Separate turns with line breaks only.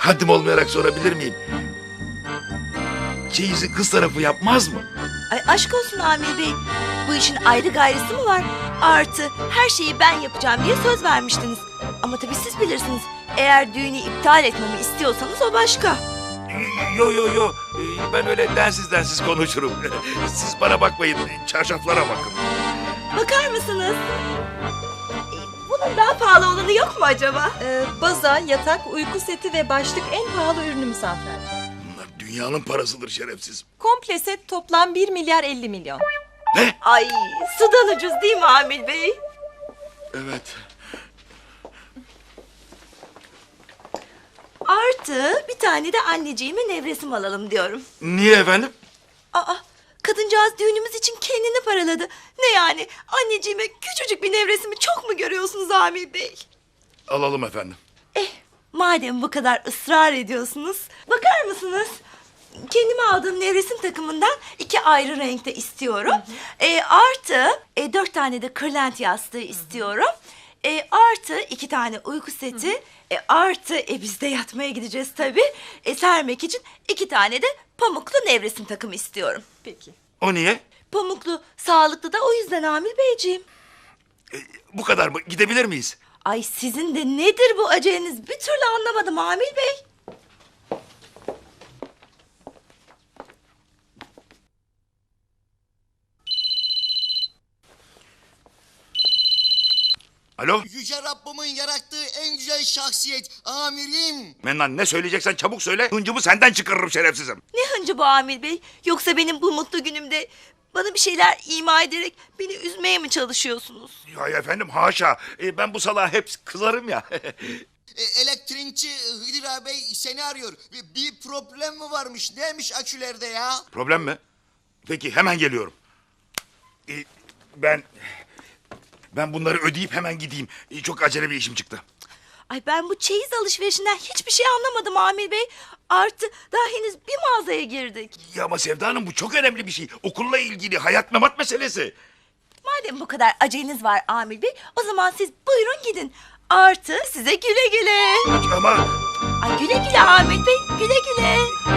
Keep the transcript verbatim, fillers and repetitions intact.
haddim olmayarak sorabilir miyim? Çeyizi kız tarafı yapmaz mı?
Ay aşk olsun Amir Bey. Bu işin ayrı gayrısı mı var? Artı her şeyi ben yapacağım diye söz vermiştiniz. Ama tabii siz bilirsiniz. Eğer düğünü iptal etmemi istiyorsanız o başka.
Yo yo yo. Ee, Ben öyle densiz densiz konuşurum. Siz bana bakmayın. Çarşaflara bakın.
Bakar mısınız? Ee, Bunun daha pahalı olanı yok mu acaba?
Ee, baza, yatak, uyku seti ve başlık en pahalı ürünümüz hanımefendi.
Bunlar dünyanın parasıdır şerefsiz.
Komple set toplam bir milyar elli milyon.
Ne?
Ay sudan ucuz değil mi Amir Bey?
Evet.
Artı bir tane de anneciğime nevresim alalım diyorum.
Niye efendim?
Aa, kadıncağız düğünümüz için kendini paraladı. Ne yani? Anneciğime küçücük bir nevresimi çok mu görüyorsunuz Amir Bey?
Alalım efendim.
Eh, madem bu kadar ısrar ediyorsunuz, bakar mısınız? Kendime aldığım nevresim takımından iki ayrı renkte istiyorum. E, artı e, dört tane de kırlent yastığı istiyorum. E, artı iki tane uyku seti. E, artı e, biz de yatmaya gideceğiz tabii. E, sermek için iki tane de pamuklu nevresim takımı istiyorum.
Peki.
O niye?
Pamuklu, sağlıklı da o yüzden Amir Beyciğim.
Ee, bu kadar mı? Gidebilir miyiz?
Ay sizin de nedir bu aceleniz? Bir türlü anlamadım Amir Bey.
Alo?
Yüce Rabbimin yarattığı en güzel şahsiyet amirim.
Mennan ne söyleyeceksen çabuk söyle. Hıncımı senden çıkarırım şerefsizim.
Ne hıncı bu Amir Bey? Yoksa benim bu mutlu günümde bana bir şeyler ima ederek beni üzmeye mi çalışıyorsunuz?
Ya efendim haşa. Ee, ben bu salağa hep kızarım ya.
E, elektrikçi Hıdır ağabey seni arıyor. Bir, bir problem mi varmış? Neymiş akülerde ya?
Problem mi? Peki hemen geliyorum. Ee, ben... Ben bunları ödeyip hemen gideyim. Ee, çok acele bir işim çıktı.
Ay ben bu çeyiz alışverişinden hiçbir şey anlamadım Amir Bey. Artı daha henüz bir mağazaya girdik.
Ya ama Sevda Hanım bu çok önemli bir şey. Okulla ilgili hayat memat meselesi.
Madem bu kadar aceleniz var Amir Bey, o zaman siz buyurun gidin. Artı size güle güle.
Ama
Ay güle güle Amir Bey, güle güle.